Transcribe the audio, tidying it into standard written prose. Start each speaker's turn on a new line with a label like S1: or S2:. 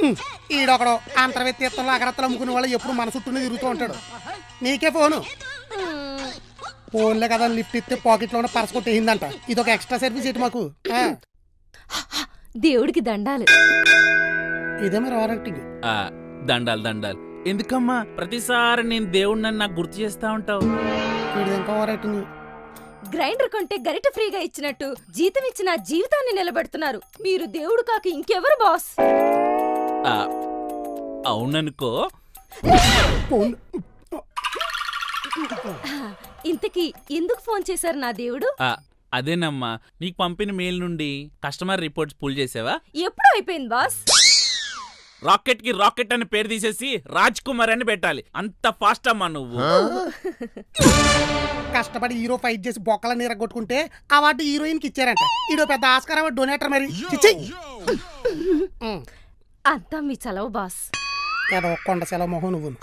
S1: ఈడొకడు అంతర్వ్యక్తిత్వంలో అగరత్తలు అమ్ముకునే వాళ్ళు ఎప్పుడు మన చుట్టూనే తిరుగుతూ ఉంటాడు. నీకే ఫోను. ఫోన్లే కదా లిఫ్ట్ ఇస్తే పాకెట్లో ఉన్న పర్స్ కొట్టేసిందంట. ఇదొక ఎక్స్ట్రా సర్వీస్ ఏంటి మాకు?
S2: దేవుడికి దండాలు.
S1: ఇదే మరి ఓవరాక్టింగ్.
S3: దండాలు దండాలు ఎందుకమ్మా? ప్రతిసారి నేను దేవుడిని నాకు గుర్తు చేస్తా ఉంటావు.
S1: ఇంకా ఓవరాక్టింగ్.
S2: గ్రైండర్ కొంటే గరిట ఫ్రీగా ఇచ్చినట్టు జీతం ఇచ్చిన జీవితాన్ని నిలబెడుతున్నారు. మీరు దేవుడు కాక ఇంకెవరు బాస్?
S3: అవుననుకో.
S2: ఇంతకీ ఎందుకు ఫోన్ చేశారు నా దేవుడు?
S3: అదేనమ్మా, నీకు పంపిన మెయిల్ నుండి కస్టమర్ రిపోర్ట్స్ పుల్ చేసావా?
S2: ఎప్పుడు అయిపోయింది బాస్?
S3: రాకెట్ కి రాకెట్ అని పేరు తీసేసి రాజ్ కుమార్ అని పెట్టాలి. అంత ఫాస్ట్ అమ్మా నువ్వు.
S1: కష్టపడి హీరో ఫైట్ చేసి బొక్కల నీర కొట్టుకుంటే అవార్డు హీరోయిన్ కి ఇచ్చారంట. ఈడో పెద్ద ఆస్కార్ అవార్డు డొనేటర్ మరి.
S2: అంతా మీ చలవు బాస్.
S1: కొండ సెలవు మొహం నువ్వు.